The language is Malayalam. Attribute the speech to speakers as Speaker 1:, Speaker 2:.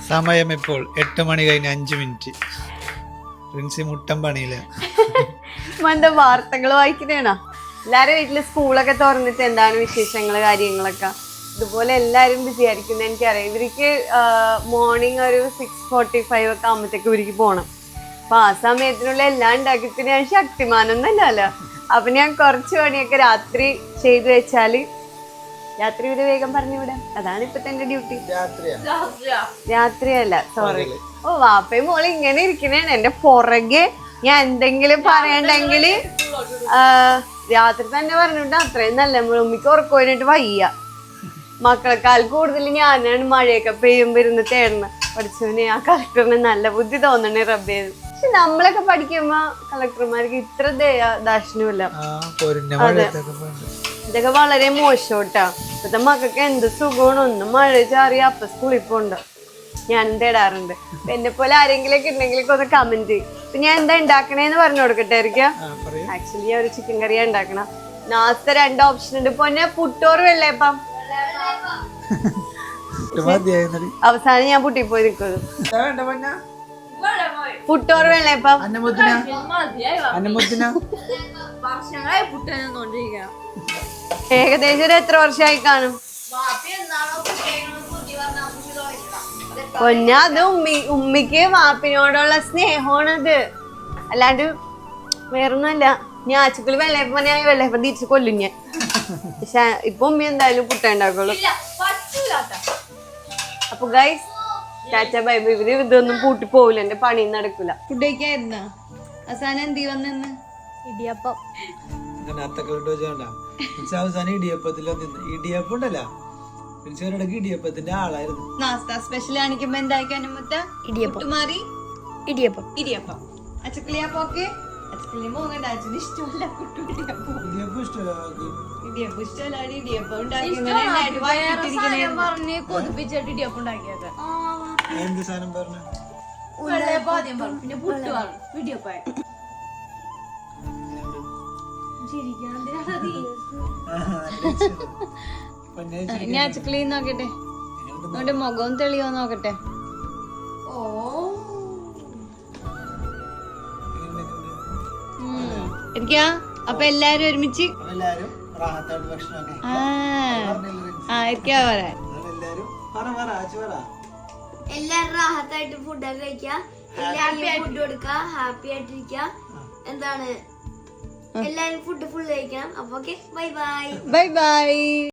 Speaker 1: സമയം ഇപ്പോൾ 8 മണി കഴിഞ്ഞ് 5 മിനിറ്റ്. പ്രിൻസി മുട്ടം പണിയില്ല.
Speaker 2: എന്താ വാർത്തകൾ വായിക്കുന്നേണോ? എല്ലാരും വീട്ടില് സ്കൂളൊക്കെ തുറന്നിട്ട് എന്താണ് വിശേഷങ്ങള് കാര്യങ്ങളൊക്കെ. ഇതുപോലെ എല്ലാരും ബിസി ആയിരിക്കും എനിക്കറിയാം. ഇവർക്ക് മോർണിംഗ് ഒരു 6:45 ഒക്കെ ആകുമ്പോഴത്തേക്ക് ഇവർക്ക് പോകണം. അപ്പൊ ആ സമയത്തിനുള്ള എല്ലാം ഉണ്ടാക്കിയിട്ട് ഞാൻ ശക്തിമാനൊന്നല്ലോ. അപ്പൊ ഞാൻ കുറച്ച് പണിയൊക്കെ രാത്രി ചെയ്തു വെച്ചാല് രാത്രി ഒരു വേഗം പറഞ്ഞു വിടാം. അതാണ് ഇപ്പത്തെ എന്റെ ഡ്യൂട്ടി. രാത്രിയല്ല, സോറി. ഓ വാപ്പയും മോള് ഇങ്ങനെ ഇരിക്കണേണ് എന്റെ പുറകെ. ഞാൻ എന്തെങ്കിലും പറയണ്ടെങ്കിൽ രാത്രി തന്നെ പറഞ്ഞിട്ട് അത്രയും നല്ല ഉമ്മിക്ക് ഉറക്കം വേണ്ടിട്ട് വയ്യ. മക്കളെക്കാൾ കൂടുതൽ ഞാനാണ് മഴയൊക്കെ പെയ്യുമ്പോ ഇരുന്ന് തേടണം. പഠിച്ചവനെ ആ കളക്ടറിന് നല്ല ബുദ്ധി തോന്നണേ റബ്ബേ. പക്ഷെ നമ്മളൊക്കെ പഠിക്കുമ്പോ കളക്ടർമാർക്ക് ഇത്ര ദാക്ഷിണ്യമില്ല. ഇതൊക്കെ വളരെ മോശോട്ടാ. ഇപ്പത്തെ മക്കൾക്ക് എന്ത് സുഖമാണ്. ഒന്നും മഴ ചാറിയ അപ്പൊ സ്കൂളിൽ പോണ്ട. ഞാൻ തേടാറുണ്ട്. എന്നെ പോലെ ആരെങ്കിലും ഒക്കെ ഉണ്ടെങ്കിലൊക്കെ ഒന്ന് കമന്റ് ചെയ്യും. ഇപ്പൊ ഞാൻ എന്താ ഉണ്ടാക്കണേന്ന് പറഞ്ഞു കൊടുക്കട്ടെ. ആക്ച്വലി ഞാൻ ഒരു ചിക്കൻ കറിയാ ഉണ്ടാക്കണം. നാളത്തെ 2 ഓപ്ഷൻ ഉണ്ട്. പൊന്നെ പുട്ടോറ് വെള്ളയപ്പം. അവസാനം ഞാൻ പുട്ടി പോയി നിൽക്കുന്നു. പുട്ടോറ് വെള്ളയപ്പം. ഏകദേശം ഒരു എത്ര വർഷമായി കാണും പൊന്ന? അത് ഉമ്മിക്ക് വാപ്പിനോടുള്ള സ്നേഹമാണത്, അല്ലാണ്ട് വേറൊന്നുമല്ല. ഞാൻ ആച്ചക്കുള്ളി വെള്ളയപ്പം പറഞ്ഞാൽ വെള്ളയപ്പം തിരിച്ച് കൊല്ലും ഞാൻ. പക്ഷെ ഇപ്പൊ ഉമ്മി എന്തായാലും പുട്ട ഉണ്ടാക്കുള്ളൂ. അപ്പൊ ഗൈസ് ടാറ്റ ബൈ ബൈ. ഇതൊന്നും പൂട്ടി പോവില്ല, എന്റെ പണി നടക്കൂല. ഫുഡ് കഴിക്കായിരുന്ന അവസാനം എന്തി വന്നെന്ന്? ഇടിയപ്പം.
Speaker 1: ഇടിയപ്പത്തിന്റെ ആളായിരുന്നു.
Speaker 2: നാസ്ത സ്പെഷ്യൽ കാണിക്കുമ്പോ എന്താക്കാനും ഇടിയപ്പം മാറി ഇടിയപ്പം ഇടിയപ്പം. അച്ചക്കിളിയപ്പം ഒക്കെ അച്ചക്കിളി പോകണ്ട. അച്ഛന് ഇഷ്ടമല്ല ഇടിയപ്പം ഇഷ്ടമല്ല. ഇടിയപ്പം ഉണ്ടാക്കി കൊതിപ്പിച്ചിട്ട് ഇടിയപ്പം ഉണ്ടാക്കിയത്.
Speaker 1: എന്ത് സാധനം പറഞ്ഞു?
Speaker 2: പിന്നെ പുട്ട് പറഞ്ഞു ഇടിയപ്പം. ഇനി അച്ചക്കിളി നോക്കട്ടെ, അവന്റെ മുഖവും തെളിയോ നോക്കട്ടെ. എനിക്കാ അപ്പൊ എല്ലാരും ഒരുമിച്ച്
Speaker 3: എല്ലാരും റാഹത്തായിട്ട് ഫുഡൊക്കെ കഴിക്കുക, എല്ലാരും ഫുഡ് കൊടുക്കുക, ഹാപ്പി ആയിട്ടിരിക്കുക. എന്താണ് എല്ലാരും ഫുഡ് ഫുൾ കഴിക്കണം. അപ്പൊ okay, bye bye.
Speaker 2: Bye by.